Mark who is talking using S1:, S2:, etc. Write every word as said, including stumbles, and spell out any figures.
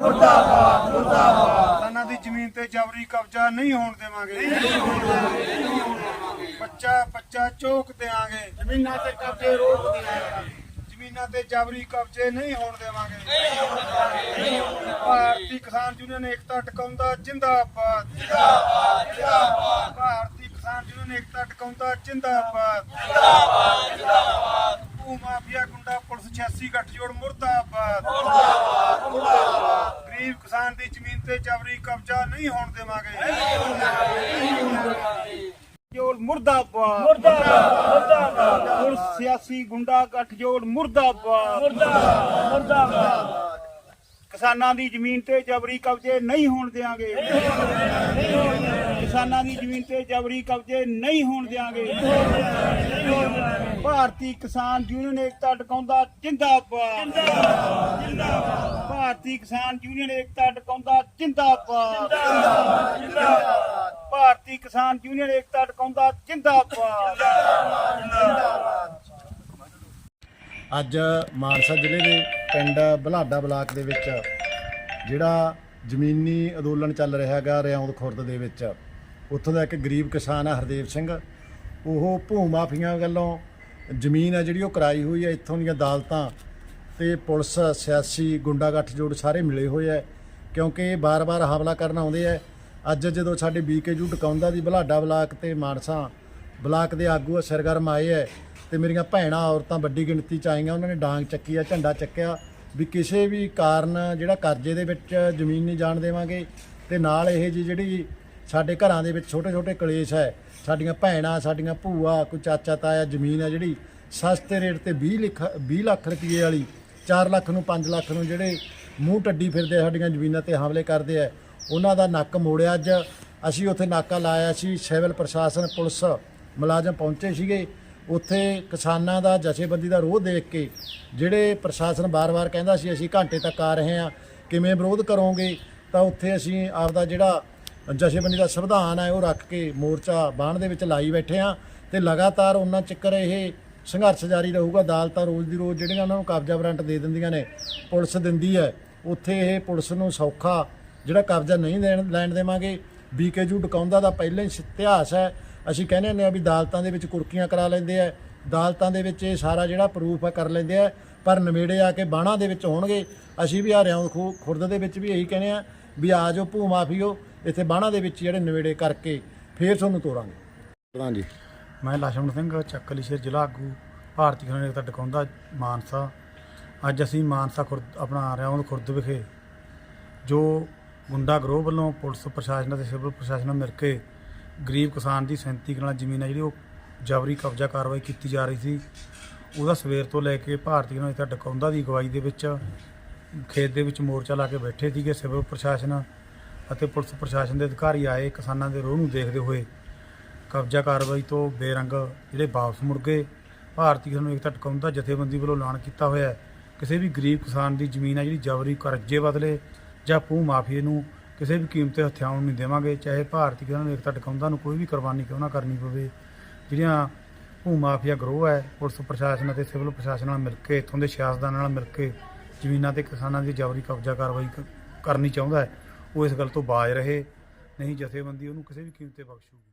S1: मुर्दाबाद मुर्दाबाद
S2: किसानां दी जमीन ते जबरी कब्जा नहीं होण देवांगे बच्चा बच्चा चौक देवांगे
S1: जमीनां ते कब्जे रोक दियांगे
S2: जमीनां ते जबरी कब्जे नहीं होण देवांगे भारतीय किसान यूनियन एकता टिकाउंदा जिंदाबाद
S1: जिंदाबाद जिंदाबाद
S2: भारतीय किसान यूनियन एकता टिकाउंदा जिंदाबाद
S1: जिंदाबाद जिंदाबाद
S2: भू माफिया गुंडा पुलिस छियासी गठजोड़ मुर्दाबाद
S1: मुर्दाबाद मुर्दाबाद
S2: गरीब किसान दी जमीन ते जबरी कब्जा नहीं होण देवांगे जोड़ मुर्दाबाद
S1: मुर्दाबाद
S2: पुलिस सियासी गुंडा गठजोड़ मुर्दाबाद
S1: मुर्दाबाद मुर्दाबाद
S2: किसानां दी जमीन ते जबरी कब्जे नहीं होण देंगे किसानां दी जमीन ते जबरी कब्जे नहीं होण देंगे भारतीय किसान यूनियन एकता टिकाउंदा जिंदाबाद भारतीय किसान यूनियन एकता टिकाउंदा जिंदाबाद भारतीय किसान यूनियन एकता टिकाउंदा जिंदाबाद
S3: ਅੱਜ ਮਾਨਸਾ ਜ਼ਿਲ੍ਹੇ ਦੇ ਪਿੰਡ ਬਲਾਡਾ ਬਲਾਕ ਦੇ ਵਿੱਚ ਜਿਹੜਾ ਜ਼ਮੀਨੀ ਅੰਦੋਲਨ ਚੱਲ ਰਿਹਾ ਹੈਗਾ ਰਿਆਉਂਦ ਖੁਰਦ ਦੇ ਵਿੱਚ ਉੱਥੋਂ ਦਾ ਇੱਕ ਗਰੀਬ ਕਿਸਾਨ ਹੈ ਹਰਦੇਵ ਸਿੰਘ। ਉਹ ਭੂ ਮਾਫੀਆਂ ਵੱਲੋਂ ਜ਼ਮੀਨ ਹੈ ਜਿਹੜੀ ਉਹ ਕਰਾਈ ਹੋਈ ਹੈ। ਇੱਥੋਂ ਦੀਆਂ ਅਦਾਲਤਾਂ ਤੇ ਪੁਲਿਸ ਸਿਆਸੀ ਗੁੰਡਾ ਗੱਠਜੋੜ ਸਾਰੇ ਮਿਲੇ ਹੋਏ ਹੈ ਕਿਉਂਕਿ ਇਹ ਬਾਰ-ਬਾਰ ਹਮਲਾ ਕਰਨ ਆਉਂਦੇ ਹੈ। ਅੱਜ ਜਦੋਂ ਸਾਡੇ ਬੀਕੇਯੂ ਟਿਕਾਉਂਦਾ ਦੀ ਬਲਾਡਾ ਬਲਾਕ ਤੇ ਮਾਨਸਾ ਬਲਾਕ ਦੇ ਆਗੂ ਸਰਗਰਮ ਆਏ ਹੈ ਤੇ ਮੇਰੀਆਂ ਭੈਣਾਂ ਔਰਤਾਂ ਵੱਡੀ ਗਿਣਤੀ 'ਚ ਆਈਆਂ। ਉਹਨਾਂ ਨੇ ਡਾਂਗ ਚੱਕੀ ਆ, ਝੰਡਾ ਚੱਕਿਆ ਵੀ ਕਿਸੇ ਵੀ ਕਾਰਨ ਜਿਹੜਾ ਕਰਜ਼ੇ ਦੇ ਵਿੱਚ ਜ਼ਮੀਨ ਨਹੀਂ ਜਾਣ ਦੇਵਾਂਗੇ ਤੇ ਨਾਲ ਇਹ ਜੀ ਜਿਹੜੀ ਸਾਡੇ ਘਰਾਂ ਦੇ ਵਿੱਚ ਛੋਟੇ ਛੋਟੇ ਕਲੇਸ਼ ਹੈ, ਸਾਡੀਆਂ ਭੈਣਾਂ ਸਾਡੀਆਂ ਭੂਆ ਕੋਈ ਚਾਚਾ ਤਾਇਆ ਜ਼ਮੀਨ ਹੈ ਜਿਹੜੀ ਸਸਤੇ ਰੇਟ ਤੇ ਵੀਹ ਲੱਖ ਵੀਹ ਲੱਖ ਰੁਪਏ ਵਾਲੀ ਚਾਰ ਲੱਖ ਨੂੰ ਪੰਜ ਲੱਖ ਨੂੰ ਜਿਹੜੇ ਮੂੰਹ ਟੱਡੀ ਫਿਰਦੇ ਸਾਡੀਆਂ ਜ਼ਮੀਨਾਂ ਤੇ ਹਮਲੇ ਕਰਦੇ ਆ, ਉਹਨਾਂ ਦਾ ਨੱਕ ਮੋੜਿਆ। ਅੱਜ ਅਸੀਂ ਉੱਥੇ ਨਾਕਾ ਲਾਇਆ ਸੀ, ਸਿਵਲ ਪ੍ਰਸ਼ਾਸਨ ਪੁਲਿਸ ਮੁਲਾਜ਼ਮ ਪਹੁੰਚੇ ਸੀਗੇ। ਉੱਥੇ ਕਿਸਾਨਾਂ ਦਾ ਜਥੇਬੰਦੀ ਦਾ ਰੋਹ ਦੇਖ ਕੇ ਜਿਹੜੇ ਪ੍ਰਸ਼ਾਸਨ ਬਾਰ-ਬਾਰ ਕਹਿੰਦਾ ਸੀ ਅਸੀਂ ਘੰਟੇ ਤੱਕ ਆ ਰਹੇ ਹਾਂ, ਕਿਵੇਂ ਵਿਰੋਧ ਕਰੋਗੇ, ਤਾਂ ਉੱਥੇ ਅਸੀਂ ਆਪਦਾ ਜਿਹੜਾ ਜਥੇਬੰਦੀ ਦਾ ਸੰਵਿਧਾਨ ਹੈ ਉਹ ਰੱਖ ਕੇ ਮੋਰਚਾ ਬਾਣ ਦੇ ਵਿੱਚ ਲਾਈ ਬੈਠੇ ਹਾਂ ਤੇ ਲਗਾਤਾਰ ਉਹਨਾਂ ਚੱਕਰ ਇਹ ਸੰਘਰਸ਼ ਜਾਰੀ ਰਹੂਗਾ। ਅਦਾਲਤਾਂ ਰੋਜ਼ ਦੀ ਰੋਜ਼ ਜਿਹੜੀਆਂ ਉਹਨਾਂ ਨੂੰ ਕਬਜ਼ਾ ਵਾਰੰਟ ਦੇ ਦਿੰਦੀਆਂ ਨੇ, ਪੁਲਿਸ ਦਿੰਦੀ ਹੈ, ਉੱਥੇ ਇਹ ਪੁਲਿਸ ਨੂੰ ਸੌਖਾ ਜਿਹੜਾ ਕਬਜ਼ਾ ਨਹੀਂ ਦੇਣ ਲੈਣ ਦੇਵਾਂਗੇ। ਬੀਕੇਯੂ ਟਿਕਾਉਂਦਾ ਦਾ ਪਹਿਲਾਂ ਹੀ ਇਤਿਹਾਸ ਹੈ। ਅਸੀਂ ਕਹਿੰਦੇ ਹੁੰਦੇ ਹਾਂ ਵੀ ਅਦਾਲਤਾਂ ਦੇ ਵਿੱਚ ਕੁਰਕੀਆਂ ਕਰਾ ਲੈਂਦੇ ਆ, ਅਦਾਲਤਾਂ ਦੇ ਵਿੱਚ ਇਹ ਸਾਰਾ ਜਿਹੜਾ ਪ੍ਰੂਫ ਹੈ ਕਰ ਲੈਂਦੇ ਆ, ਪਰ ਨਵੇੜੇ ਆ ਕੇ ਬਾਣਾ ਦੇ ਵਿੱਚ ਹੋਣਗੇ। ਅਸੀਂ ਵੀ ਆ ਰਿਆਉਂਦ ਖੁਰਦ ਦੇ ਵਿੱਚ ਵੀ ਇਹੀ ਕਹਿੰਦੇ ਆ ਵੀ ਆ ਜਾਓ ਭੂ ਮਾਫੀਓ, ਇੱਥੇ ਬਾਣਾ ਦੇ ਵਿੱਚ ਜਿਹੜੇ ਨਵੇੜੇ ਕਰਕੇ ਫੇਰ ਤੁਹਾਨੂੰ ਤੋਰਾਂਗੇ। ਪ੍ਰਧਾਨ ਜੀ,
S4: ਮੈਂ ਲਛਮਣ ਸਿੰਘ ਚੱਕਲੀ ਸ਼ੇਰ ਜ਼ਿਲ੍ਹਾ ਆਗੂ ਭਾਰਤੀ ਕਿਸਾਨ ਏਕਤਾ ਟਿਕਾਉਂਦਾ ਮਾਨਸਾ। ਅੱਜ ਅਸੀਂ ਮਾਨਸਾ ਖੁਰਦ ਆਪਣਾ ਰਿਆਉਂਦ ਖੁਰਦ ਵਿਖੇ ਜੋ ਗੁੰਡਾ ਗਰੋਹ ਵੱਲੋਂ ਪੁਲਿਸ ਪ੍ਰਸ਼ਾਸਨ ਅਤੇ ਸਿਵਲ ਪ੍ਰਸ਼ਾਸਨ ਨਾਲ ਮਿਲ ਕੇ ਗਰੀਬ ਕਿਸਾਨ ਦੀ ਸੈਂਤੀ ਕਨਾਲ ਜ਼ਮੀਨ ਹੈ ਜਿਹੜੀ ਉਹ ਜਬਰੀ ਕਬਜ਼ਾ ਕਾਰਵਾਈ ਕੀਤੀ ਜਾ ਰਹੀ ਸੀ, ਉਹਦਾ ਸਵੇਰ ਤੋਂ ਲੈ ਕੇ ਭਾਰਤੀ ਕਿਸਾਨ ਏਕਤਾ ਟਿਕਾਉਂਦਾ ਦੀ ਅਗਵਾਈ ਦੇ ਵਿੱਚ ਖੇਤ ਦੇ ਵਿੱਚ ਮੋਰਚਾ ਲਾ ਕੇ ਬੈਠੇ ਸੀਗੇ। ਸਿਵਲ ਪ੍ਰਸ਼ਾਸਨ ਅਤੇ ਪੁਲਿਸ ਪ੍ਰਸ਼ਾਸਨ ਦੇ ਅਧਿਕਾਰੀ ਆਏ, ਕਿਸਾਨਾਂ ਦੇ ਰੋਹ ਨੂੰ ਦੇਖਦੇ ਹੋਏ ਕਬਜ਼ਾ ਕਾਰਵਾਈ ਤੋਂ ਬੇਰੰਗ ਜਿਹੜੇ ਵਾਪਸ ਮੁੜ ਗਏ। ਭਾਰਤੀ ਕਿਸਾਨ ਏਕਤਾ ਟਿਕਾਉਂਦਾ ਜਥੇਬੰਦੀ ਵੱਲੋਂ ਐਲਾਨ ਕੀਤਾ ਹੋਇਆ ਕਿਸੇ ਵੀ ਗਰੀਬ ਕਿਸਾਨ ਦੀ ਜ਼ਮੀਨ ਹੈ ਜਿਹੜੀ ਜਬਰੀ ਕਰਜ਼ੇ ਬਦਲੇ ਜਾਂ ਭੂ ਮਾਫੀਏ ਨੂੰ ਕਿਸੇ ਵੀ ਕੀਮਤ ਤੇ ਹਥਿਆਉਣ ਨਹੀਂ ਦੇਵਾਂਗੇ, ਚਾਹੇ ਭਾਰਤੀ ਕਿਸਾਨ ਏਕਤਾ ਟਿਕਾਉਂਦਾ ਨੂੰ ਕੋਈ ਵੀ ਕੁਰਬਾਨੀ ਕਿਉਂ ਨਾ ਕਰਨੀ ਪਵੇ। ਜਿਹੜੀਆਂ ਭੂ ਮਾਫੀਆ ਗਰੋਹ ਹੈ ਪੁਲਿਸ ਪ੍ਰਸ਼ਾਸਨ ਅਤੇ ਸਿਵਲ ਪ੍ਰਸ਼ਾਸਨ ਨਾਲ ਮਿਲ ਕੇ ਇੱਥੋਂ ਦੇ ਸਿਆਸਤਦਾਨਾਂ ਨਾਲ ਮਿਲ ਕੇ ਜ਼ਮੀਨਾਂ ਤੇ ਕਿਸਾਨਾਂ ਦੀ ਜਬਰੀ ਕਬਜ਼ਾ ਕਾਰਵਾਈ ਕਰਨੀ ਚਾਹੁੰਦਾ ਹੈ, ਉਹ ਇਸ ਗੱਲ ਤੋਂ ਬਾਜ਼ ਰਹੇ, ਨਹੀਂ ਜਥੇਬੰਦੀ ਉਹਨੂੰ ਕਿਸੇ ਵੀ ਕੀਮਤ ਤੇ ਬਖਸ਼ੂਗੀ।